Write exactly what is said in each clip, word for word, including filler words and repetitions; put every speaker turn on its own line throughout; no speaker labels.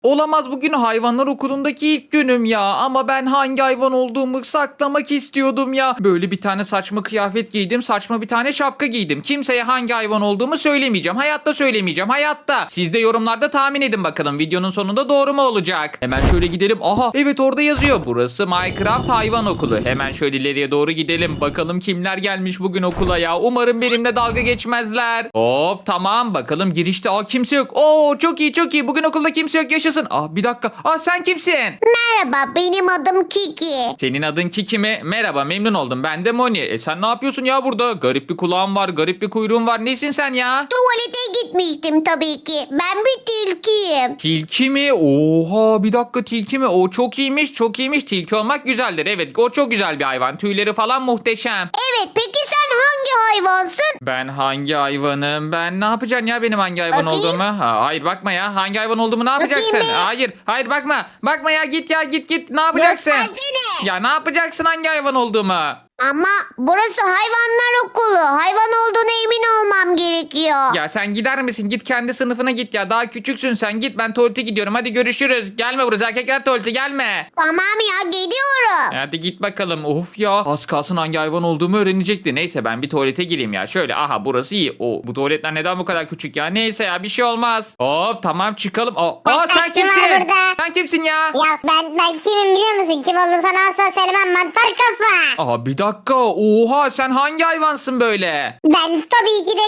Olamaz, bugün hayvanlar okulundaki ilk günüm ya. Ama ben hangi hayvan olduğumu saklamak istiyordum ya. Böyle bir tane saçma kıyafet giydim. Saçma bir tane şapka giydim. Kimseye hangi hayvan olduğumu söylemeyeceğim. Hayatta söylemeyeceğim. Hayatta. Siz de yorumlarda tahmin edin bakalım. Videonun sonunda doğru mu olacak? Hemen şöyle gidelim. Aha, evet, orada yazıyor. Burası Minecraft Hayvan Okulu. Hemen şöyle ileriye doğru gidelim. Bakalım kimler gelmiş bugün okula ya. Umarım benimle dalga geçmezler. Hop, tamam, bakalım girişte. Aa, kimse yok. Oo, çok iyi çok iyi. Bugün okulda kimse yok, yaşasın. Aa, bir dakika. Aa, sen kimsin?
Merhaba, benim adım Kiki.
Senin adın Kiki mi? Merhaba, memnun oldum. Ben de Moni. E sen ne yapıyorsun ya burada? Garip bir kulağın var, garip bir kuyruğun var. Nesin sen ya?
Tuvalete gitmiştim tabii ki. Ben bir tilkiyim.
Tilki mi? Oha, bir dakika, tilki mi? O çok iyiymiş, çok iyiymiş. Tilki olmak güzeldir. Evet, o çok güzel bir hayvan. Tüyleri falan muhteşem.
Evet, peki sen hangi hayvansın?
Ben hangi hayvanım? Ben ne yapacaksın ya benim hangi hayvan
Bakayım.
olduğumu? Ha, hayır, bakma ya. Hangi hayvan olduğumu ne yapacaksın?
Bakayım bir.
Hayır, hayır, bakma. Bakma ya, git ya, git git. Ne yapacaksın?
Göstersene.
Ya ne yapacaksın hangi hayvan olduğumu?
Ama burası hayvanlar okulu. Hayvan olduğuna emin olmam gerekiyor.
Ya sen gider misin? Git kendi sınıfına git ya. Daha küçüksün sen. Git, ben tuvalete gidiyorum. Hadi görüşürüz. Gelme buraya. Erkekler tuvalete gelme.
Tamam ya, geliyorum.
Hadi git bakalım. Of ya. Az kalsın hangi hayvan olduğumu öğrenecekti. Neyse, ben bir tuvalete gireyim ya. Şöyle, aha, burası iyi. O, bu tuvaletler neden bu kadar küçük ya? Neyse ya, bir şey olmaz. Hop, tamam, çıkalım. Aa, aa, sen
Bak, kim var
kimsin?
burada?
Sen kimsin ya?
Ya ben ben kimim biliyor musun? Kim olduğumu sana asla söylemem, mantar kafa.
Aha, bir dakika. Oha, sen hangi hayvansın böyle?
Ben tabii ki de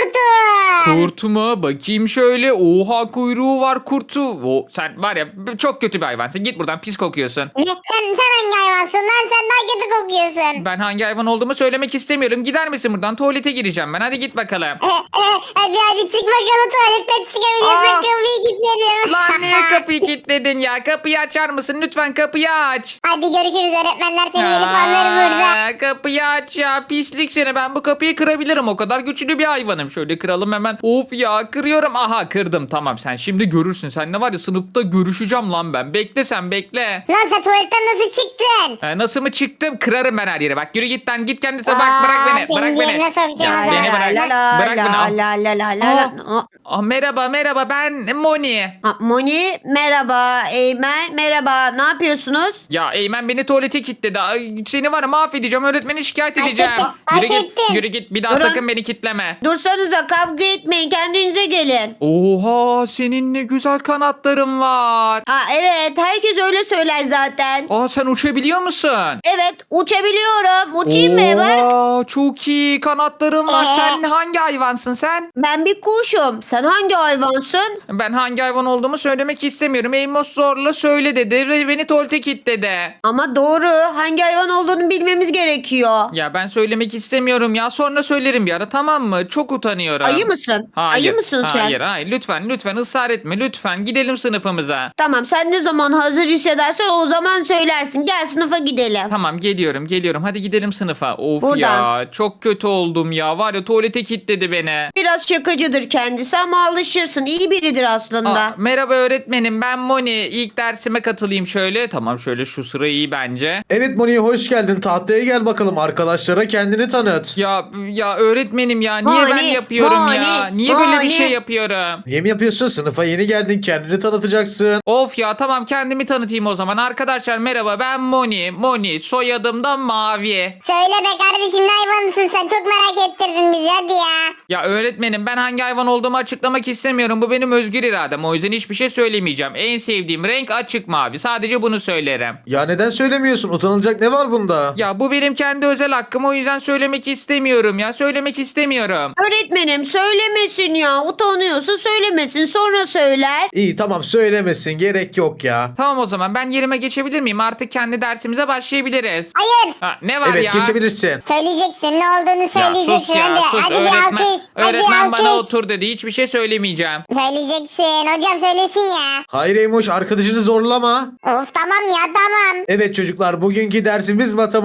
kurtum.
Kurt mu? Bakayım şöyle. Oha, kuyruğu var kurtu. O, sen var ya, çok kötü bir hayvansın. Git buradan, pis kokuyorsun.
Ne? Sen, sen hangi hayvansın lan? Sen daha kötü kokuyorsun.
Ben hangi hayvan olduğumu söylemek istemiyorum. Gider misin buradan? Tuvalete gireceğim ben. Hadi git bakalım.
Eh, eh, hadi hadi çık bakalım, tuvaletten çıkabiliyorsun.
Aa.
Kapıyı kilitledim.
Lan niye kapıyı kilitledin ya? Kapıyı açar mısın? Lütfen kapıyı aç.
Hadi görüşürüz, öğretmenler seni gelip alır burada.
Aa, kapıyı aç ya. Pislik seni. Ben bu kapıyı kırabilirim. O kadar güçlü bir hayvanım. Şöyle kıralım hemen. Of ya, kırıyorum. Aha, kırdım. Tamam, sen şimdi görürsün. Sen ne var ya, sınıfta görüşeceğim lan ben. Bekle sen, bekle.
Lan sen tuvaletten nasıl çıktın?
Ee, nasıl mı çıktım? Kırarım ben her yere. Bak, yürü git lan. Git kendisi. Bak,
Aa,
bırak beni.
senin
Bırak beni.
yerine sokacağım
Ya,
o zaman.
beni bırak.
La
Bırak beni.
la
Ah.
la la la la la.
Ah. Ah, merhaba merhaba, ben Moni.
Ha, Moni merhaba, Eymen merhaba. Ne yapıyorsunuz?
Ya Eymen beni tuvalete kilitledi. Ay, seni var ya, mahvedeceğim. Öğretmeni şikayet
Hak
edeceğim.
ettin, hak
Yürü git.
ettin.
Yürü git. Bir daha
Durun.
sakın beni kilitleme.
Dursanıza, kavga etmeyin, kendinize gelin.
Oha, senin ne güzel kanatların var.
Ha evet, herkes öyle söyler zaten.
Aa, sen uçabiliyor musun?
Evet, uçabiliyorum. Uçayım mı? Bak.
Oha, çok iyi kanatların var.
Ee?
Sen hangi hayvansın sen?
Ben bir kuşum. Sen hangi hayvansın?
Ben hangi hayvan olduğumu söylemek istemiyorum. Amos zorla söyle dedi ve beni tuvalete kilitledi.
Ama doğru. Hangi hayvan olduğunu bilmemiz gerekiyor.
Ya ben söylemek istemiyorum ya. Sonra söylerim bir ara, tamam mı? Çok utanıyorum.
Ayı mısın?
Hayır.
Ayı mısın sen?
Hayır hayır, lütfen lütfen ısrar etme, lütfen gidelim sınıfımıza.
Tamam, sen ne zaman hazır hissedersen o zaman söylersin. Gel sınıfa gidelim.
Tamam, geliyorum geliyorum, hadi gidelim sınıfa. Of
Buradan.
ya, çok kötü oldum ya, var ya, tuvalete kilitledi beni.
Biraz şakacıdır kendisi ama alışırsın. İyi biridir aslında.
Aa, merhaba öğretmenim, ben Moni. İlk dersime katılayım şöyle. Tamam, şöyle şu sıra iyi bence.
Evet Moni, hoş geldin. Tahtaya gel bakalım. Arkadaşlara kendini tanıt.
Ya ya öğretmenim ya, niye ben
Moni,
yapıyorum
Moni,
ya? Niye böyle bir
Moni.
şey yapıyorum?
Niye mi yapıyorsun? Sınıfa yeni geldin. Kendini tanıtacaksın.
Of ya, tamam, kendimi tanıtayım o zaman. Arkadaşlar merhaba, ben Moni. Moni, soyadım da Mavi.
Söyle be kardeşim, ne hayvanısın sen? Çok merak ettirdin bizi, hadi ya.
Ya öğretmenim, ben hangi hayvan olduğumu açıklamak istemiyorum. Bu benim özgür iradem. O yüzden hiçbir şey söylemeyeceğim. En sevdiğim renk açık mavi. Sadece bunu söylerim.
Ya neden söylemiyorsun? Utanılacak ne var bunda?
Ya bu benim kendi özel hakkım. O yüzden söylemek istemiyorum ya. Söylemek istemiyorum.
Öğretmenim söylemesin ya. Utanıyorsa söylemesin. Sonra söyler.
İyi tamam, söylemesin. Gerek yok ya.
Tamam, o zaman ben yerime geçebilir miyim? Artık kendi dersimize başlayabiliriz.
Hayır.
Ha, ne var
Evet,
ya?
geçebilirsin.
Söyleyeceksin, ne olduğunu
Ya
söyleyeceksin.
sus ya
hadi
sus.
hadi bir
Öğretmen,
alkış. Hadi
öğretmen
bir
bana
alkış.
otur dedi. Hiçbir şey söylemeyeceğim.
Söyleyeceksin. Hocam söylesin ya.
Hayır Eymoş, arkadaşını zorlama.
Of tamam ya, tamam.
Evet çocuklar, bugünkü dersimiz matematik. Hazır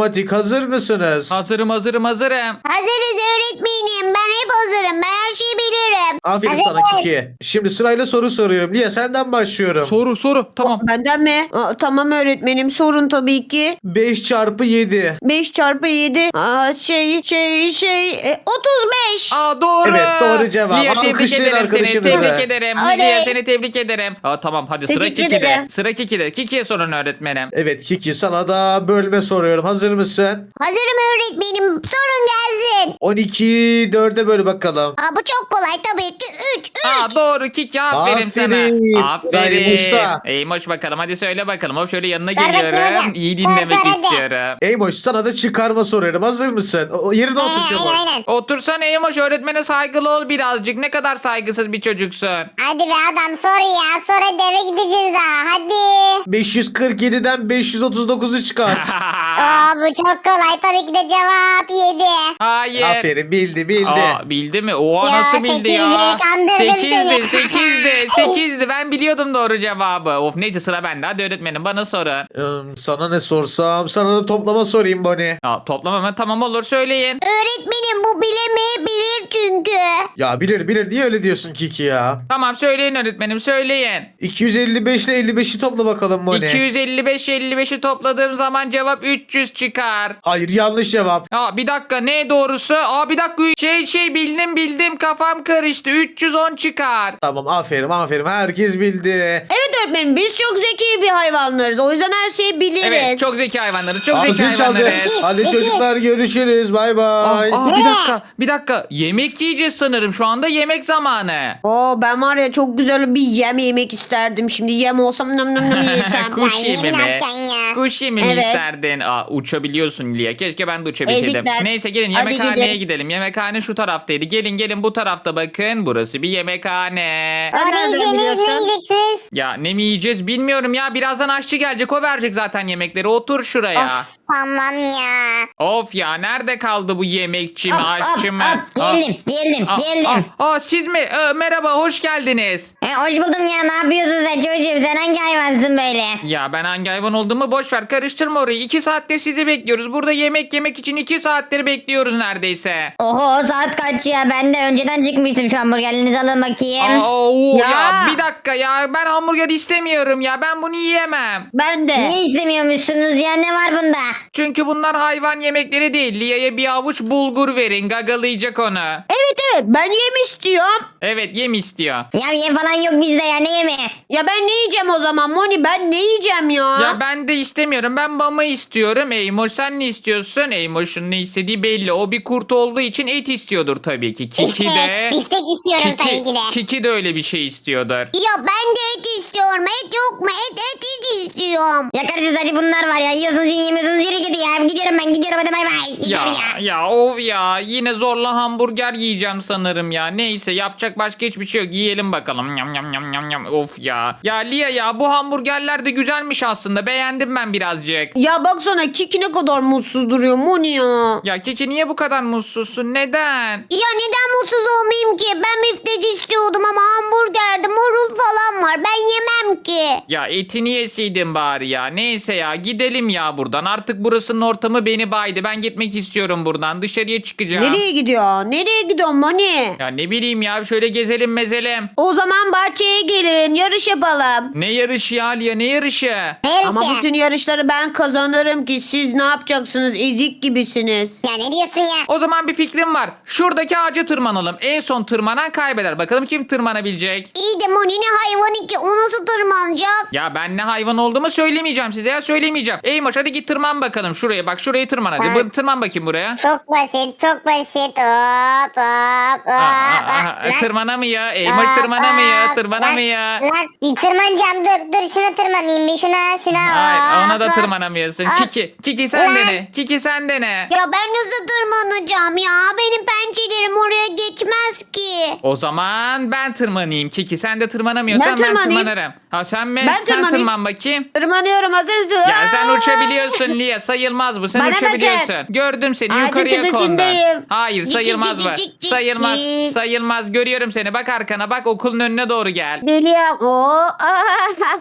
hazır mısınız?
Hazırım hazırım hazırım.
Hazırız öğretmenim. Ben hep hazırım. Ben her şeyi bilirim.
Aferin
Hazır
sana
mıyız?
Kiki. Şimdi sırayla soru soruyorum. Lia senden başlıyorum.
Soru soru tamam.
Benden mi? Aa, tamam öğretmenim sorun tabii ki.
beş çarpı yedi.
beş çarpı yedi. Aa, şey şey şey e, otuz beş.
Aa doğru.
Evet, doğru cevap.
Lia tebrik
Alkışlayın
ederim seni.
arkadaşımızı.
Tebrik ederim.
Oley.
Lia seni tebrik ederim. Aa tamam hadi sıra
Teşekkür
Kiki'de.
ederim.
Sıra Kiki'de. Kiki'ye sorun öğretmenim.
Evet Kiki, sana da bölme soruyorum. Hazır mısın?
Hazırım öğretmenim. Sorun gelsin.
on ikiyi dörde böl bakalım.
Aa, bu çok kolay tabii ki. üç. üç.
Aa doğru Kiki aferin,
Aferin.
sana.
Sıra
Aferin.
Eymoş'ta.
Eymoş bakalım hadi söyle bakalım. Hop şöyle yanına
Sor bakayım
geliyorum.
hocam.
İyi
Sor,
dinlemek
sor hadi.
istiyorum.
Eymoş, sana da çıkarma soruyorum. Hazır mısın? O, o yerine otur
Ee,
çabuk.
aynen aynen.
Otursana Eymoş, öğretmene saygılı ol birazcık. Ne kadar saygısız bir çocuksun.
Hadi be adam sor ya. Sonra eve gideceğiz daha. Hadi.
beş yüz kırk yediden beş yüz otuz dokuzu çıkart.
Aa, bu çok kolay. Tabii ki de cevap yedi.
Hayır.
Aferin, bildi bildi.
Aa, bildi mi? Oha
Ya,
nasıl bildi ya?
sekizdi, kandırdım
Sekizdi,
seni.
sekizdi, sekizdi. Ben biliyordum doğru cevabı. Of neyse sıra bende. Hadi öğretmenim bana sorun.
Hmm, sana ne sorsam? Sana da toplama sorayım Bonnie.
Ya, toplamam mı? Tamam olur söyleyin.
Öğretmenim bu bilemeyebilir çünkü.
Ya bilir bilir, niye öyle diyorsun Kiki ya?
Tamam söyleyin öğretmenim söyleyin.
iki yüz elli beş ile elli beşi topla bakalım Bonnie.
iki yüz elli beş elli beşi topladığım zaman cevap üç yüz çıkar.
Hayır, yanlış cevap.
Aa bir dakika ne doğrusu? Aa bir dakika şey şey bildim bildim kafam karıştı. üç yüz on çıkar.
Tamam, aferin aferin, herkes bildi.
Evet öğretmenim biz çok zeki bir hayvanlarız. O yüzden her şeyi biliriz.
Evet çok zeki hayvanları çok zeki
Ağzın çaldı.
hayvanları.
Hadi
İki.
çocuklar, görüşürüz, bay
Aa,
bay.
aa, bir dakika bir dakika yemek yiyeceğiz sanırım şu anda yemek zamanı.
Oo, ben var ya çok güzel bir yem yemek isterdim. Şimdi yem olsam nam nam nam yesem.
Kuş
Ya,
yemi
yemi ne
mi?
yapacaksın ya?
Kuş yemi mi
Evet.
isterdin? Aa, uçabiliyorsun Lia. Keşke ben de uçabilseydim.
Ezikler.
Neyse gelin
Hadi
yemekhaneye
gidin.
gidelim. Yemekhane şu taraftaydı. Gelin gelin bu tarafta bakın. Burası bir yemekhane.
Aa, ne
Nereden
yiyeceksiniz? Ne
biliyorsun?
yiyeceksiniz?
Ya ne mi yiyeceğiz bilmiyorum ya. Birazdan aşçı gelecek. O verecek zaten yemekleri. Otur şuraya.
Of, tamam ya.
Of ya nerede kaldı bu yemekçi mi
Hop,
aşçı
hop,
mı?
hop. Geldim, geldim,
Aa,
geldim.
aa, aa, siz mi? Ee, merhaba hoş geldiniz.
E, hoş buldum ya. Ne yapıyorsun sen çocuğum? Sen hangi hayvansın böyle?
Ya ben hangi hayvan olduğumu boş ver karıştırma orayı. iki saattir sizi bekliyoruz. Burada yemek yemek için iki saattir bekliyoruz neredeyse.
Oho saat kaç ya? Ben de önceden çıkmıştım, şu hamburgerlerinizi alın bakayım.
Aa, oo, ya.
Ya.
bir dakika ya ben hamburger istemiyorum ya ben bunu yiyemem.
Ben de.
Niye istemiyormuşsunuz ya? Ne var bunda?
Çünkü bunlar hayvan yemekleri değil. Lia'ya bir avuç bulgur verin gagalayacak onu.
Evet evet ben yem istiyorum.
Evet yem istiyor.
Ya yem falan yok bizde ya. Ne yemi?
Ya ben ne yiyeceğim o zaman Moni? Ben ne yiyeceğim ya?
Ya ben de istemiyorum. Ben mama istiyorum. Eymoş sen ne istiyorsun? Eymoş'un ne istediği belli. O bir kurt olduğu için et istiyordur tabii ki. Kiki de...
Biftek istiyorum tabii
Kiki,
ki de.
Kiki de öyle bir şey istiyordur.
Ya ben de et istiyorum. Et yok mu? Et et et istiyorum. Ya kardeşim sadece bunlar var ya. Yiyorsunuz yemiyorsunuz. Yürü gidi ya. Gidiyorum ben gidiyorum. Hadi bay bay.
Ya,
Gidiyorum ya.
ya of ya yine zorla hamburger yiyeceğim sanırım ya. Neyse yapacak başka hiçbir şey yok. Yiyelim bakalım. Yam yam yam yam yam. Of ya. Ya Lia ya bu hamburgerler de güzelmiş aslında. Beğendim ben birazcık.
Ya baksana Kiki ne kadar mutsuz duruyor Moni ya.
Ya Kiki niye bu kadar mutsuzsun? Neden?
Ya neden mutsuz olmayayım ki? Ben biftek istiyordum ama hamburgerde marul falan var. Ben yemem ki.
Ya etini yeseydin bari ya. Neyse ya gidelim ya buradan. Artık burasının ortamı beni baydı. Ben gitmek istiyorum buradan. Dışarıya çıkacağım.
Nereye gidiyor? Nereye gidiyor Moni?
Ya ne bileyim ya şöyle gezelim mezelim.
O zaman bahçeye gelin yarış yapalım.
Ne yarışı ya Lia ne yarışı?
Neresi?
Ama bütün yarışları ben kazanırım ki siz ne yapacaksınız? Ezik gibisiniz.
Ya ne diyorsun ya?
O zaman bir fikrim var. Şuradaki ağaca tırmanalım. En son tırmanan kaybeder. Bakalım kim tırmanabilecek?
İyi de Moni ne hayvanı ki? O nasıl tırmanacak?
Ya ben ne hayvan olduğumu söylemeyeceğim size ya söylemeyeceğim. Eymoş hadi git tırman bakalım şuraya. Bak şurayı tırman hadi.
Ha.
Bu- Tırman bakayım buraya.
Çok basit, çok basit. Hop hop hop.
Aa, aa, aa,
Lan,
tırmanamıyor. Eymoş
hop,
tırmanamıyor.
hop.
Tırmanamıyor.
Lan, lan bir tırmanacağım. Dur dur şuna tırmanayım bir şuna şuna.
Hayır ona da
hop, hop.
tırmanamıyorsun.
Hop.
Kiki. Kiki sen
Lan.
dene. Kiki sen dene.
Ya ben nasıl tırmanacağım ya? Benim pençelerim oraya geçmez ki.
O zaman ben tırmanayım Kiki. Sen de tırmanamıyorsan
Ben
ben,
tırmanayım.
tırmanırım. Ha sen mi?
Ben
sen
tırmanayım.
tırman bakayım.
Tırmanıyorum hazır mısın?
Ya sen
Aa!
uçabiliyorsun Lia sayılmaz bu sen
Bana
uçabiliyorsun.
bakın.
Gördüm seni
Ağacın
yukarıya kondun.
tepesindeyim.
Hayır
Cik,
sayılmaz
cik,
bu.
cik, cik,
Sayılmaz
cik.
sayılmaz görüyorum seni bak arkana bak okulun önüne doğru gel.
Geliyorum. Oo.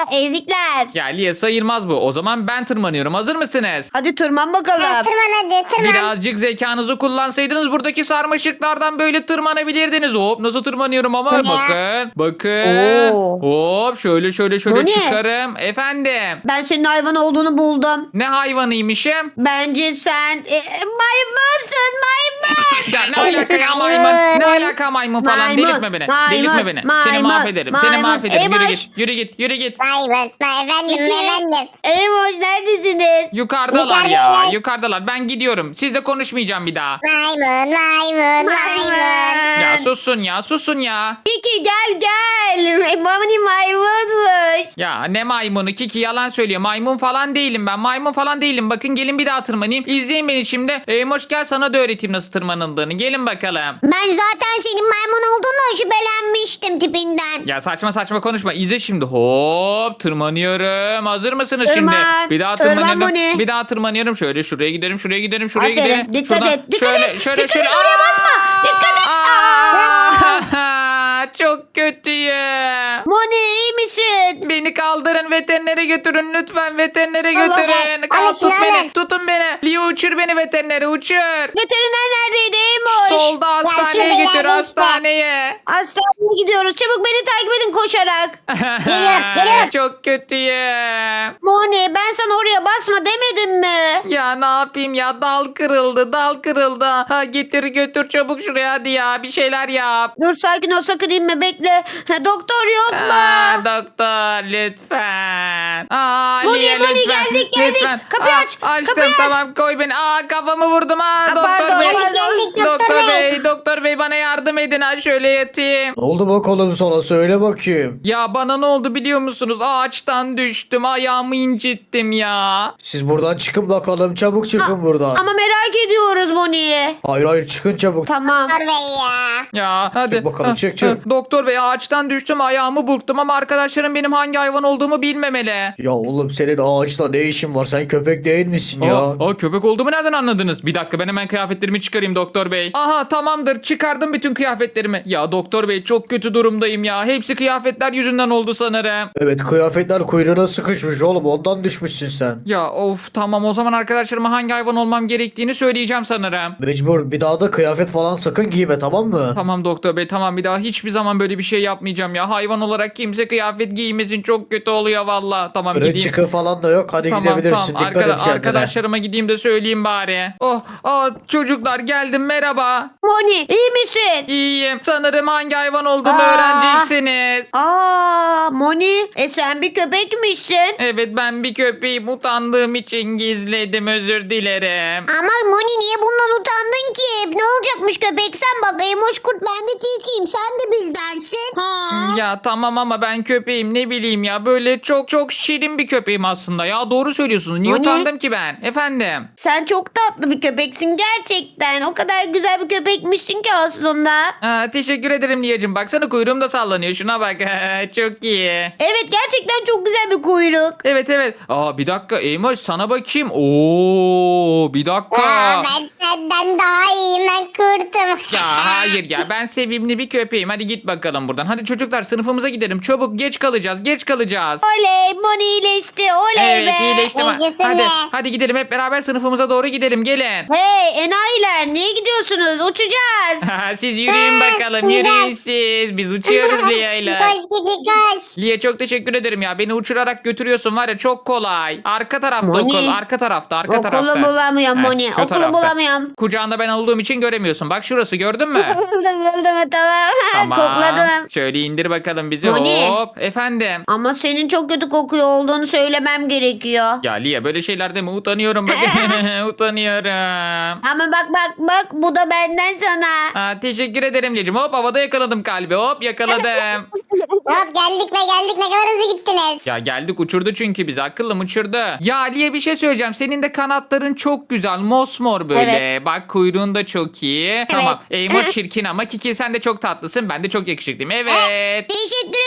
ezikler.
Ya Lia sayılmaz bu. O zaman ben tırmanıyorum. Hazır mısınız?
Hadi tırman
Ha,
bakalım.
tırman hadi tırman.
Birazcık zekanızı kullansaydınız buradaki sarmaşıklardan böyle tırmanabilirdiniz. Hop nasıl tırmanıyorum ama
Bu ne?
bakın. Bakın.
Oo.
Hop şöyle şöyle şöyle
Bu ne?
çıkarım. Efendim.
Ben senin hayvan olduğunu buldum.
Ne hayvanıymışım?
Bence sen e, maymunsun maymun.
Ya ne alaka ya
Maymun.
maymun? Ne alaka maymun falan?
Maymun,
Delirtme beni.
maymun,
Delirtme beni. Seni
maymun,
mahvederim. Seni
maymun.
mahvederim. Yürü
Eymoş.
git. Yürü git. Yürü git.
Vay be, vay efendim
Peki.
efendim.
Eymoş neredesiniz?
Yukarıdalar ya.
Yukarıdalar.
Yukarıdalar. Ben gidiyorum. Sizle konuşmayacağım bir daha.
Maymun maymun maymun.
Ya sussun ya. Sussun ya.
Kiki gel gel. Mami maymunmuş.
Ya ne maymunu? Kiki yalan söylüyor. Maymun falan değilim ben. Maymun falan değilim. Bakın gelin bir daha tırmanayım. İzleyin beni şimdi. Eymoş gel sana da öğreteyim nasıl tırmanıldığını. Gelin bakalım.
Ben zaten senin maymun olduğunu şüphelenmiştim tipinden.
Ya saçma saçma konuşma. İzle şimdi. Hop tırmanıyorum. Hazır mısınız
Tırman.
şimdi? Bir daha
Tırman
tırmanıyorum.
Moni.
Bir daha tırmanıyorum. Şöyle şuraya giderim. Şuraya giderim. Şuraya
Aferin.
giderim.
Dikkat
Şuradan
et, dikkat
şöyle,
et,
Şöyle
dikkat
şöyle.
et, oraya basma. Dikkat et.
Aa! Çok kötüyüm.
Moni iyi misin?
Beni kaldırın veterinere götürün lütfen veterinere
Allah
götürün.
be.
Kal
Alın
tut
şunu,
beni
alın.
tutun beni. Leo uçur beni veterinere uçur.
Veteriner neredeydi Eymoş?
Solda hastaneye
şurada
götür
ileride işte.
hastaneye.
Hastaneye gidiyoruz. Çabuk beni takip edin koşarak.
Geliyorum, geliyorum.
Çok kötüyüm.
Moni ben sana oraya basma demedim mi?
Ya ne yapayım ya dal kırıldı dal kırıldı. Ha, getir götür çabuk şuraya hadi ya bir şeyler yap.
Dur sakin ol sakın inme bekle. Ha, doktor yok mu?
Aa, doktor lütfen. Aa,
Moni,
Lia,
Moni,
lütfen.
geldik, geldik.
Lütfen.
Kapıyı
Aa,
aç,
Açtım
kapıyı aç.
tamam koy beni. Aa kafamı vurdum ha doktor
pardon,
bey.
pardon.
Geldik doktor
Doktor
bey.
bey doktor bey bana yardım edin ha şöyle yatayım.
Ne oldu bakalım sana, söyle bakayım.
Ya bana ne oldu biliyor musunuz? Ağaçtan düştüm ayağımı incittim ya.
Siz buradan çıkın bakalım, çabuk çıkın buradan.
Ama merak ediyoruz Moni'yi.
Hayır hayır, çıkın çabuk.
Tamam.
Doktor bey ya.
Ya hadi.
Çık bakalım,
Ha,
çık, çık.
ha. Doktor bey ağaçtan düştüm ayağımı burktum ama arkadaşlarım benim hangi hayvan olduğumu bilmemeli.
Ya oğlum, senin ağaçta ne işin var, sen köpek değil misin ya?
Aa, aa, köpek olduğumu nereden anladınız? Bir dakika ben hemen kıyafetlerimi çıkarayım doktor bey. Aha tamamdır çıkardım bütün kıyafetlerimi. Ya doktor bey çok kötü durumdayım ya. Hepsi kıyafetler yüzünden oldu sanırım.
Evet, kıyafetler kuyruğuna sıkışmış oğlum, ondan düşmüşsün sen.
Ya of tamam o zaman arkadaşlarıma hangi hayvan olmam gerektiğini söyleyeceğim sanırım.
Mecbur, bir daha da kıyafet falan sakın giyme, tamam mı?
Tamam doktor bey tamam bir daha hiçbir zaman böyle bir şey yapmayacağım ya. Hayvan olarak kimse kıyafet giymesin çok kötü oluyor valla. Tamam
Böyle
gideyim.
çıkı falan da yok, hadi
Tamam
gidebilirsin,
tamam
dikkat
Arkada-
et kendine.
arkadaşlarıma gideyim de söyleyeyim bari. Oh, aa, çocuklar geldim merhaba.
Moni iyi misin?
İyiyim. Sanırım hangi hayvan olduğumu
Aa.
öğreneceksiniz.
Aa Moni e sen bir köpekmişsin.
Evet ben bir köpeğim utandığım için gizledim özür dilerim.
Ama Moni niye bundan utandın ki? Ne olacakmış köpek, sen bak Eymoş kurt ben de tilkiyim, sen de bizdensin. He.
Ya tamam ama ben köpeğim ne bileyim ya böyle çok çok şirin bir köpeğim aslında ya doğru söylüyorsunuz. Niye
O ne?
utandım ki ben efendim?
Sen çok tatlı bir köpeksin gerçekten. O kadar güzel bir köpekmişsin ki aslında.
Aa, teşekkür ederim Liyacığım baksana kuyruğum da sallanıyor şuna bak çok iyi.
Evet gerçekten çok güzel bir kuyruk.
Evet evet. Aa bir dakika Eymoş sana bakayım. Oo bir dakika.
Aa, ben senden daha iyiyim, ben kurtum.
Ya hayır ya ben sevimli bir köpeğim. Hadi git bakalım buradan. Hadi çocuklar sınıfımıza gidelim. Çabuk geç kalacağız. Geç kalacağız.
Oley Moni iyileşti oley
Evet
be.
iyileştim.
Yaşasın
Hadi
be.
hadi gidelim hep beraber sınıfımıza doğru gidelim. Gelin.
Hey enayiler niye gidiyorsunuz? Uçacağız.
Siz yürüyün bakalım. Yürüyün siz. Biz uçuyoruz Lia'yla.
Koş gidi koş.
Lia çok teşekkür ederim ya. Beni uçurarak götüruyorsun var ya çok kolay. Arka tarafta
Moni.
okul. Arka tarafta. Arka
Okulu
tarafta.
bulamıyorum
Heh,
Moni.
şu
Okulu
tarafta.
bulamıyorum.
Kucağında ben olduğum için göremiyorsun. Bak şurası gördün mü?
Buldum buldum tamam.
Tamam.
Kokladım.
Şöyle indir bakalım bizi.
Moni.
Hop. Efendim.
Ama senin çok kötü kokuyor olduğunu söylemem gerekiyor.
Ya Lia böyle şeylerde mi? Utanıyorum bak. Utanıyorum.
Ama bak bak bak bu da benden sana.
Aa, teşekkür ederim Lia'cığım. Hop havada yakaladım kalbi. Hop yakaladım.
Hop geldik be geldik, ne kadar hızlı gittiniz.
Ya geldik uçurdu çünkü bizi. Akıllım uçurdu. Ya Lia bir şey söyleyeceğim. Senin de kanatların çok güzel. Mosmor böyle. Bak kuyruğun da çok iyi. Tamam. Eymo çirkin ama Kiki sen de çok tatlısın. Ben de çok yakışıklıyım. Evet.
Teşekkür ederim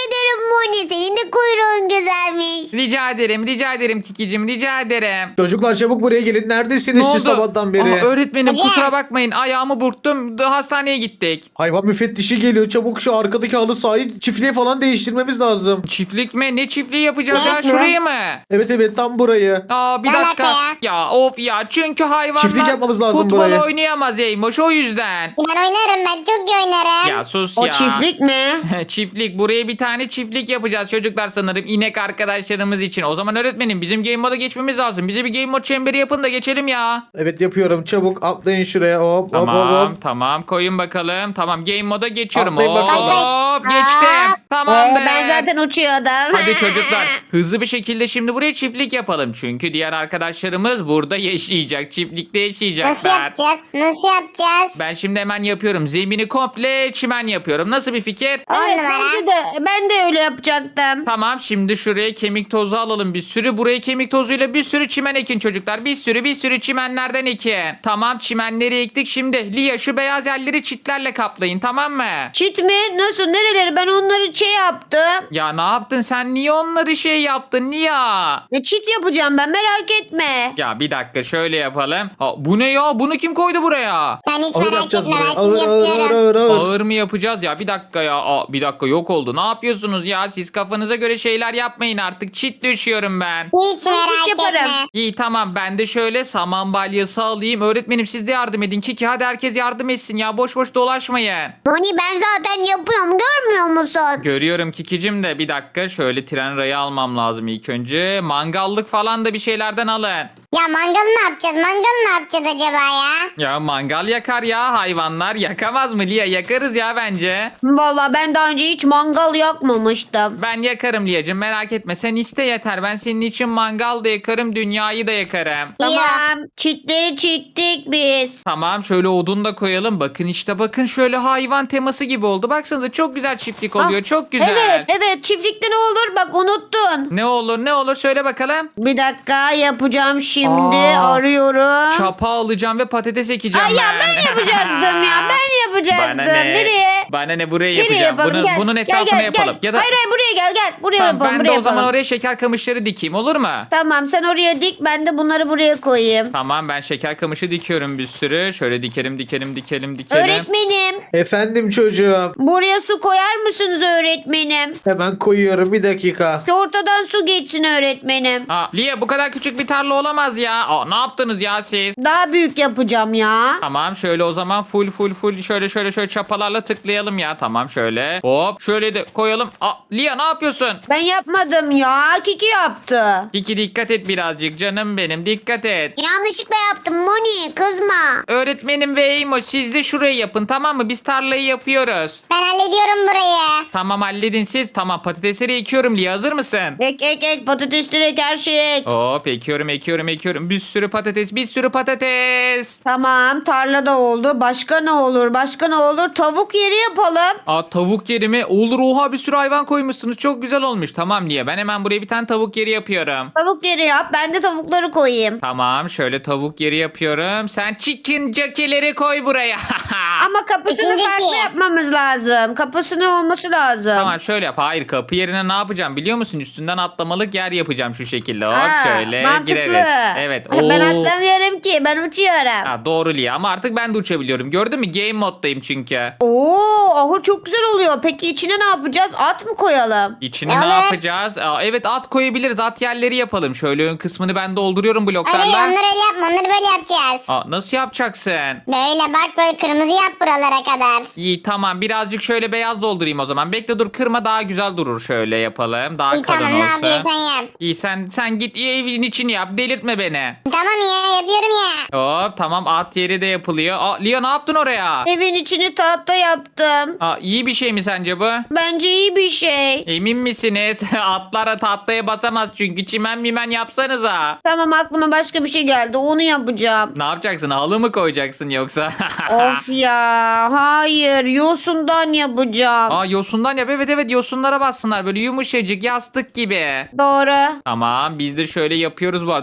Moni. Senin de kuyruğun güzelmiş.
Rica ederim rica ederim Tikicim rica ederim.
Çocuklar çabuk buraya gelin. Neredesiniz siz sabahtan beri?
Aha, öğretmenim
Hocam.
kusura bakmayın ayağımı burktum da hastaneye gittik.
Hayvan müfettişi geliyor. Çabuk şu arkadaki halı sahayı çiftliğe falan değiştirmemiz lazım.
Çiftlik mi? Ne çiftliği yapacağız
Ne
ya?
yapıyor?
Şurayı mı?
Evet evet tam burayı.
Aa bir
Ne
dakika.
alaka
Ya?
ya?
of ya çünkü hayvanlar
Çiftlik yapmamız lazım
futbol
burayı.
oynayamaz Eymoş o yüzden.
Ben oynarım ben çok iyi oynarım.
Ya sus
O
ya.
çiftlik mi?
Çiftlik. Buraya bir tane çiftlik yapacağız çocuklar sanırım. İnek arkadaşlarımız için. O zaman öğretmenim bizim game moda geçmemiz lazım. Bize bir game mod çemberi yapın da geçelim ya.
Evet yapıyorum. Çabuk atlayın şuraya. Hop hop
Tamam
hop. hop.
tamam koyun bakalım. Tamam game moda geçiyorum.
Atlayın bakalım.
Hop geçtim.
Ee,
Tamamdır.
ben zaten uçuyordum.
Hadi çocuklar hızlı bir şekilde şimdi buraya çiftlik yapalım. Çünkü diğer arkadaşlarımız burada yaşayacak. Çiftlikte
Nasıl
yaşayacaklar.
yapacağız? Nasıl yapacağız?
Ben şimdi hemen yapıyorum. Zemini komple çimen yapıyorum. Nasıl bir fikir?
On
Evet,
numara.
bence de, ben de öyle yapacaktım.
Tamam şimdi şuraya kemik tozu alalım bir sürü. Buraya kemik tozuyla bir sürü çimen ekin çocuklar. Bir sürü bir sürü çimenlerden ekin. Tamam çimenleri ektik. Şimdi Lia şu beyaz yerleri çitlerle kaplayın tamam mı?
Çit mi? Nasıl? Nereleri? Ben onları şey yaptım.
Ya ne yaptın sen? Niye onları şey yaptın? Niye?
E, çit yapacağım ben merak etme.
Ya bir dakika şöyle yapalım. Ha, bu ne ya? Bunu kim koydu buraya?
Sen hiç
Ağır
merak
yapacağız
etme
burayı.
ben şimdi
Ağır ağır ağır
yapıyorum.
ağır ağır.
Ağır mı yapacağız ya? Bir dakika ya. Aa, bir dakika yok oldu. Ne yapıyorsunuz ya? Siz kafanıza göre şeyler yapmayın artık. Çit düşüyorum ben.
Hiç merak
yaparım.
etme.
İyi tamam ben de şöyle saman balyası alayım. Öğretmenim siz de yardım edin. Kiki hadi herkes yardım etsin ya. Boş boş dolaşmayın.
Moni ben zaten yapıyorum görmüyor musun?
Görüyorum Kikicim de bir dakika şöyle tren rayı almam lazım ilk önce. Mangallık falan da bir şeylerden alın.
Ya mangalı ne yapacağız? Mangalı ne yapacağız acaba ya?
Ya mangal yakar ya hayvanlar. Yakamaz mı Lia? Yakarız ya bence.
Vallahi ben daha önce hiç mangal yakmamıştım.
Ben yakarım Lia'cığım merak etme. Sen iste yeter. Ben senin için mangal da yakarım. Dünyayı da yakarım.
Tamam. Çitleri çittik biz.
Tamam şöyle odun da koyalım. Bakın işte bakın şöyle hayvan teması gibi oldu. Baksanıza çok güzel çiftlik oluyor.
Ah,
Çok güzel.
Evet evet çiftlikte ne olur bak unuttun.
Ne olur ne olur söyle bakalım.
Bir dakika yapacağım şimdi
Aa,
arıyorum.
Çapa alacağım ve patates ekeceğim
Ay ya
ben.
ben yapacaktım ya ben yapacaktım.
Bana ne?
Nereye?
Bana ne buraya
Nereye
yapacağım.
yapalım?
Bunun,
Gel.
bunun
Gel,
etrafına
gel,
yapalım.
Gel.
Ya da
Hayır hayır buraya gel gel. Buraya
tamam,
yapalım
ben
buraya
de o zaman
yapalım.
oraya şeker kamışları dikeyim olur mu?
Tamam sen oraya dik ben de bunları buraya koyayım.
Tamam ben şeker kamışı dikiyorum bir sürü. Şöyle dikelim dikelim dikelim dikelim.
Öğretmenim
Efendim çocuğum.
buraya su koyar mısınız öğretmenim?
Hemen koyuyorum bir dakika.
Şu ortadan su geçsin öğretmenim.
Aa, Lia bu kadar küçük bir tarla olamaz ya. Aa, ne yaptınız ya siz?
Daha büyük yapacağım ya.
Tamam şöyle o zaman full full full şöyle şöyle şöyle çapalarla tıklayalım ya. Tamam şöyle. Hop şöyle de koyalım. Aa, Lia ne yapıyorsun?
Ben yapmadım ya. Kiki yaptı.
Kiki dikkat et birazcık canım benim dikkat et.
Yanlışlıkla yaptım Moni kızma.
Öğretmenim ve Eymo siz de şurayı yapın tamam mı? Biz tarlayı yapıyoruz.
Ben hallediyorum burayı.
Tamam halledin siz. Tamam patatesleri ekiyorum Lia hazır mısın?
Ek ek ek patatesleri ek her şeyi ek.
Hop ekiyorum ekiyorum ekiyorum. Bir sürü patates bir sürü patates.
Tamam tarlada oldu. Başka ne olur? Başka ne olur? Tavuk yeri yapalım.
Aa tavuk yeri mi? Olur oha bir sürü hayvan koymuşsunuz. Çok güzel olmuş. Tamam Lia ben hemen buraya bir tane tavuk yeri yapıyorum.
Tavuk yeri yap. Ben de tavukları koyayım.
Tamam şöyle tavuk yeri yapıyorum. Sen chicken jockey'leri koy buraya.
Ama kapısını
İkinci
farklı
bir.
yapmamız lazım. Kapısını olması lazım.
Tamam şöyle yap. Hayır kapı yerine ne yapacağım biliyor musun? Üstünden atlamalık yer yapacağım şu şekilde. Hop
Ha,
şöyle
mantıklı.
gireriz. Evet.
Ben
Oo.
atlamıyorum ki. Ben uçuyorum.
Ha, doğru Lia ama artık ben de uçabiliyorum. Gördün mü? Game moddayım çünkü.
Oo, ahır çok güzel oluyor. Peki içine ne yapacağız? At mı koyalım?
İçine
Evet.
ne yapacağız? Aa, evet at koyabiliriz. At yerleri yapalım. Şöyle ön kısmını ben dolduruyorum
Hayır
bloklarla.
hayır onları öyle yapma onları böyle yapacağız.
Aa, nasıl yapacaksın?
Böyle bak böyle kırmızı yap buralara kadar.
İyi tamam birazcık şöyle beyaz doldurayım o zaman. Bekle dur kırma daha güzel durur. Şöyle yapalım. Daha
İyi
kalın
tamam ne
olsun.
yapıyorsan yap.
İyi sen sen git evin içini yap. Delirtme beni.
Tamam ya yapıyorum ya.
Hop tamam at yeri de yapılıyor. Aa, Lia ne yaptın oraya?
Evin içini tahta yaptım.
Aa, iyi bir şey mi sence bu?
Bence iyi bir şey.
Emin misiniz? Atlara tahtaya basamaz çünkü çimen mimen yapsanıza.
Tamam aklıma başka bir şey geldi. Onu yapacağım.
Ne yapacaksın? Halı mı koyacaksın yoksa?
Of ya. Hayır. Yosundan yapacağım.
Aa yosundan yap. Evet evet yosunlara bassınlar. Böyle yumuşacık yastık gibi.
Doğru.
Tamam biz de şöyle yapıyoruz bu arada çiftliği.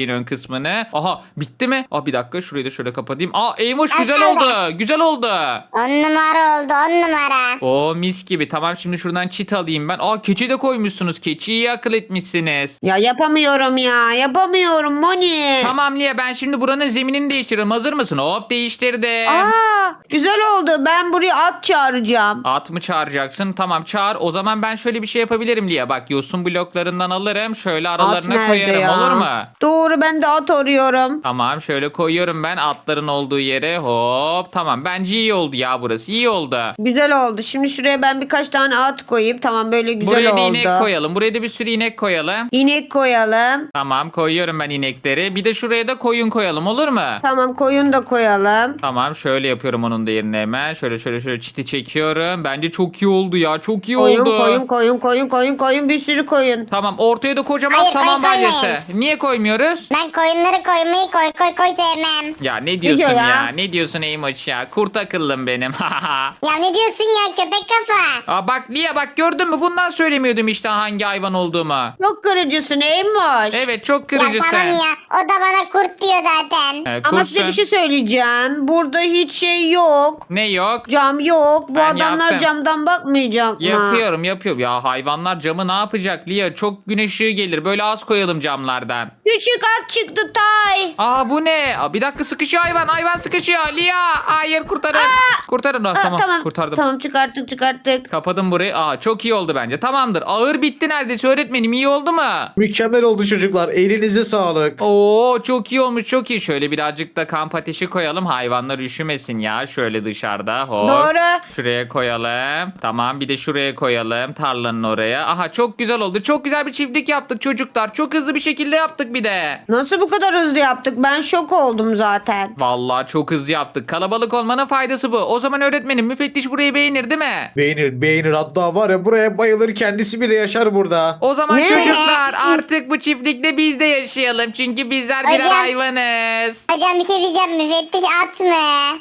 çiftliğin ön kısmını. Aha bitti mi? Aa bir dakika şurayı da şöyle kapatayım. Aa Eymoş
Nasıl
güzel
oldu?
oldu. Güzel oldu.
On numara oldu on numara.
Oo mis gibi. Tamam şimdi şuradan çit alayım ben. Aa keçi de koymuşsunuz. Keçiyi iyi akıl etmişsiniz.
Ya yapamıyorum ya. Yapamıyorum Moni.
Tamam Lia ben şimdi buranın zeminini değiştiriyorum. Hazır mısın? Hop değiştirdim.
Aa, güzel oldu. Ben buraya at çağıracağım.
At mı çağıracaksın? Tamam çağır. O zaman ben şöyle bir şey yapabilirim Lia. Bak yosun bloklarından alırım. Şöyle
At
aralarına
nerede
koyarım.
ya?
Olur mu?
Doğru, ben de at arıyorum.
Tamam şöyle koyuyorum ben atların olduğu yere. Hop tamam. Bence iyi oldu ya burası. İyi oldu.
Güzel oldu. Şimdi şuraya ben birkaç tane at koyayım. Tamam, böyle güzel
Buraya da
oldu.
inek koyalım. Buraya da bir sürü inek koyalım.
İnek koyalım.
Tamam koyuyorum ben inekleri. Bir de şuraya da koyun koyalım olur mu?
Tamam, koyun da koyalım.
Tamam şöyle yapıyorum onun da yerine hemen. Şöyle şöyle şöyle çiti çekiyorum. Bence çok iyi oldu ya. Çok iyi
Koyun,
oldu.
koyun, koyun, koyun, koyun, koyun. Bir sürü koyun.
Tamam ortaya da kocaman
Hayır,
saman
koy, koymayın.
balyası. Niye koymuyoruz?
Ben koyunları koymayı koy koy koy sevmem.
Ya ne diyorsun
diyor
ya?
ya?
Ne diyorsun Eymoş ya? Kurt akıllım benim.
Ya ne diyorsun ya köpek kafa?
Aa, bak Lia bak gördün mü? Bundan söylemiyordum işte hangi hayvan olduğumu.
Çok kırıcısın Eymoş.
Evet çok
Ya
kırıcısın.
tamam ya o da bana kurt diyor zaten.
Ee,
Ama
kurtsun.
size bir şey söyleyeceğim. Burada hiç şey yok.
Ne yok?
Cam yok. Bu
Ben
adamlar
yaptım.
camdan bakmayacak mı?
Yapıyorum yapıyorum. Ya hayvanlar camı ne yapacak Lia? Çok güneş ışığı gelir. Böyle az koyalım camlardan.
Küçük at çıktı Tay.
Aa bu ne? Aa, bir dakika sıkışıyor hayvan. Hayvan sıkışıyor. Lia hayır kurtarın. Kurtarın. Aa,
Aa,
tamam,
tamam.
kurtardım.
Tamam, çıkarttık çıkarttık.
Kapadım burayı. Aa çok iyi oldu bence. Tamamdır. Ağır bitti neredeyse öğretmenim. İyi oldu mu?
Mükemmel oldu çocuklar. Elinize sağlık.
Oo çok iyi olmuş çok iyi. Şöyle birazcık da kamp ateşi koyalım. Hayvanlar üşümesin ya. Şöyle dışarıda. Hop.
Doğru.
Şuraya koyalım. Tamam bir de şuraya koyalım. Tarlanın oraya. Aha çok güzel oldu. Çok güzel bir çiftlik yaptık çocuklar. Çok hızlı bir şekilde yaptık bir de.
Nasıl bu kadar hızlı yaptık? Ben şok oldum zaten.
Vallahi çok hızlı yaptık. Kalabalık olmanın faydası bu. O zaman öğretmenim müfettiş burayı beğenir değil mi?
Beğenir beğenir, hatta var ya buraya bayılır, kendisi bile yaşar burada.
O zaman
Ne?
çocuklar artık bu çiftlikte biz de yaşayalım. Çünkü bizler birer
Hocam.
hayvanız.
Hocam bir şey diyeceğim müfettiş at mı?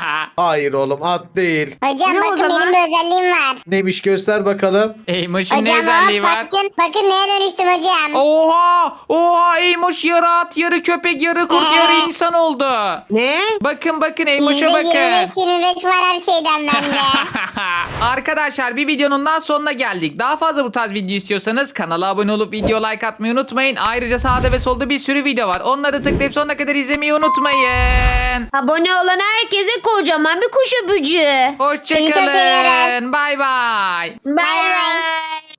Hayır oğlum, at değil.
Hocam
Ne o
bakın
zaman?
benim bir özelliğim var.
Neymiş, göster bakalım.
Eymoş'un ne
Hocam
özelliği
hop,
var?
bakın bakın neye dönüştüm hocam.
Oha! Oha! Eymoş yarı at, yarı köpek, yarı kurt,
Ee?
yarı insan oldu.
Ne?
Bakın bakın
Yüzde
Eymoş'a
yirmi
bakın.
beş yirmi beş var her şeyden bende.
Arkadaşlar bir videonun daha sonuna geldik. Daha fazla bu tarz video istiyorsanız kanala abone olup video like atmayı unutmayın. Ayrıca sağda ve solda bir sürü video var. Onları tıklayıp sonuna kadar izlemeyi unutmayın.
Abone olan herkese kocaman bir kuş öpücüğü.
Seni çok seviyorum.
Hoşçakalın. Bay bay.
Bye bye.